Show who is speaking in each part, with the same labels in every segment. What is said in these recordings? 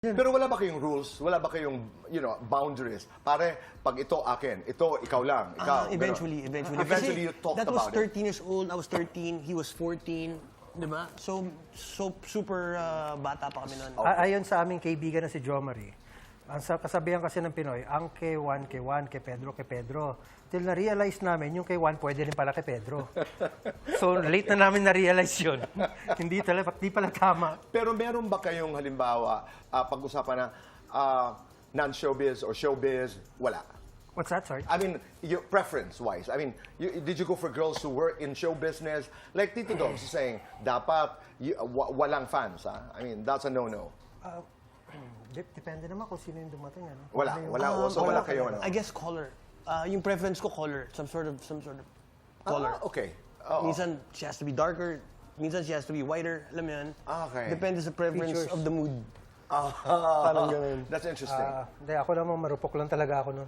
Speaker 1: Pero wala ba kayong rules? Wala ba kayong, boundaries? Pare, pag ito akin, ito ikaw lang, ikaw.
Speaker 2: Eventually.
Speaker 1: Eventually you talked
Speaker 2: that was
Speaker 1: about it.
Speaker 2: 13 years old, I was 13, he was 14, di ba? So super bata pa kami noon.
Speaker 3: Ayon sa aming kaibigan na si Jo Marie, ang kasabihan kasi ng Pinoy, ang kay Juan, kay Pedro. Till na-realize namin, yung kay Juan pwede rin pala kay Pedro. So, late na namin na-realize yun. Hindi pala tama.
Speaker 1: Pero meron ba kayong halimbawa, pag-usapan na non-showbiz or showbiz? Wala.
Speaker 3: What's that, sorry?
Speaker 1: I mean, your preference-wise. I mean, did you go for girls who work in show business? Like Tito Dogs is saying, dapat walang fans, ha? I mean, that's a no-no.
Speaker 3: Depende naman kung sino yung dumating. Ano?
Speaker 1: Wala kayo. Ano?
Speaker 2: I guess color. Yung preference ko color, some sort of color.
Speaker 1: Okay. Oo.
Speaker 2: Minsan she has to be darker, minsan she has to be whiter, alam mo yun?
Speaker 1: Okay.
Speaker 2: Depende sa preference
Speaker 3: Features.
Speaker 2: of the mood.
Speaker 1: Parang ganun. That's interesting.
Speaker 3: Hindi, ako naman marupok lang talaga ako nun.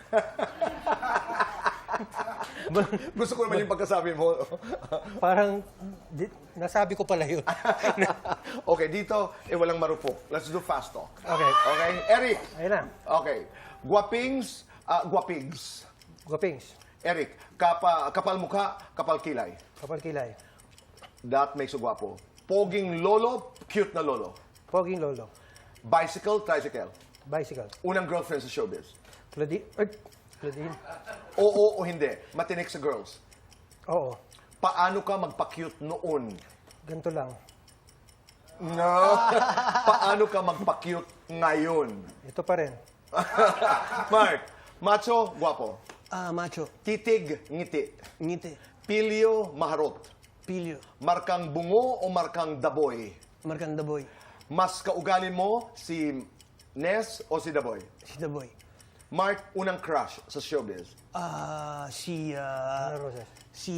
Speaker 1: Gusto ko naman yung pagkasabi mo.
Speaker 3: Parang, nasabi ko pala yun.
Speaker 1: Okay, dito, walang marupok. Let's do fast talk.
Speaker 3: Okay.
Speaker 1: Okay? Eric.
Speaker 3: Ayun na.
Speaker 1: Okay. Guwapings, guwapigs.
Speaker 3: Guwapings.
Speaker 1: Eric, kapal mukha, kapal kilay.
Speaker 3: Kapal kilay.
Speaker 1: That makes you guwapo. Poging lolo, cute na lolo.
Speaker 3: Poging lolo.
Speaker 1: Bicycle, tricycle.
Speaker 3: Bicycle.
Speaker 1: Unang girlfriend sa showbiz.
Speaker 3: Claudine.
Speaker 1: Oo o hindi. Matinik sa girls.
Speaker 3: Oo.
Speaker 1: Paano ka magpa-cute noon?
Speaker 3: Ganito lang.
Speaker 1: No. Paano ka magpa-cute ngayon?
Speaker 3: Ito pa rin.
Speaker 1: Mark, macho, guwapo.
Speaker 2: Macho,
Speaker 1: Titig, ngiti.
Speaker 2: ngiti,
Speaker 1: Pilyo, maharot.
Speaker 2: pilyo,
Speaker 1: Markang bungo o markang daboy?
Speaker 2: markang daboy,
Speaker 1: Mas kaugali mo si Ness o si Daboy?
Speaker 2: si daboy.
Speaker 1: Mark, unang crush sa showbiz.
Speaker 3: Ana Roses.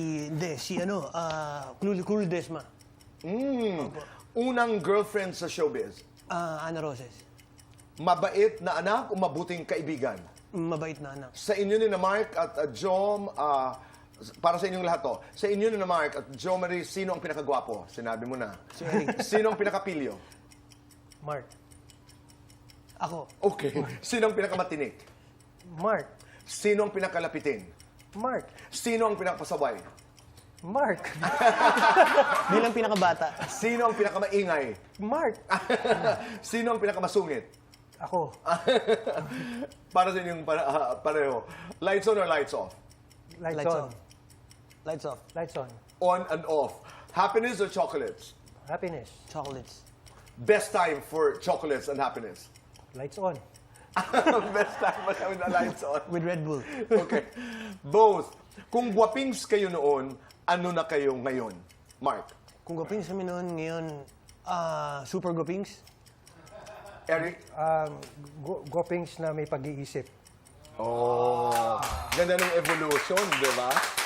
Speaker 2: Cool Desma.
Speaker 1: Unang girlfriend sa showbiz.
Speaker 2: Ana Roses.
Speaker 1: Mabait na anak o mabuting kaibigan?
Speaker 2: Mabait na anak.
Speaker 1: Sa inyo ni na Mark at Jom, para sa inyong lahat to, sa inyo ni na Mark at Jo Marie, sino ang pinakagwapo? Sinabi mo na.
Speaker 2: Si Eric.
Speaker 1: Sino ang pinakapilyo?
Speaker 3: Mark.
Speaker 2: Ako.
Speaker 1: Okay. Sino ang pinakamatinik?
Speaker 3: Mark.
Speaker 1: Sino ang pinakalapitin?
Speaker 3: Mark.
Speaker 1: Sino ang pinakapasaway?
Speaker 3: Mark.
Speaker 2: Bilang pinakabata.
Speaker 1: Sino ang pinakamaingay?
Speaker 3: Mark.
Speaker 1: Sino ang pinakamasungit?
Speaker 3: Ako.
Speaker 1: Para sa inyong pareho. Lights on or lights off?
Speaker 3: Lights
Speaker 2: Lights
Speaker 3: on.
Speaker 2: on. Lights off.
Speaker 3: Lights on.
Speaker 1: On and off. Happiness or chocolates?
Speaker 3: Happiness.
Speaker 2: Chocolates.
Speaker 1: Best time for chocolates and happiness?
Speaker 3: Lights on.
Speaker 1: Best time with the lights on.
Speaker 2: With Red Bull.
Speaker 1: Okay. Both. Kung guwapings kayo noon, ano na kayo ngayon? Mark.
Speaker 2: Kung gwapings kami noon, ngayon, super gwapings.
Speaker 1: Eric?
Speaker 3: Guwapings na may pag-iisip.
Speaker 1: Oh. Ganda ng evolution, di ba?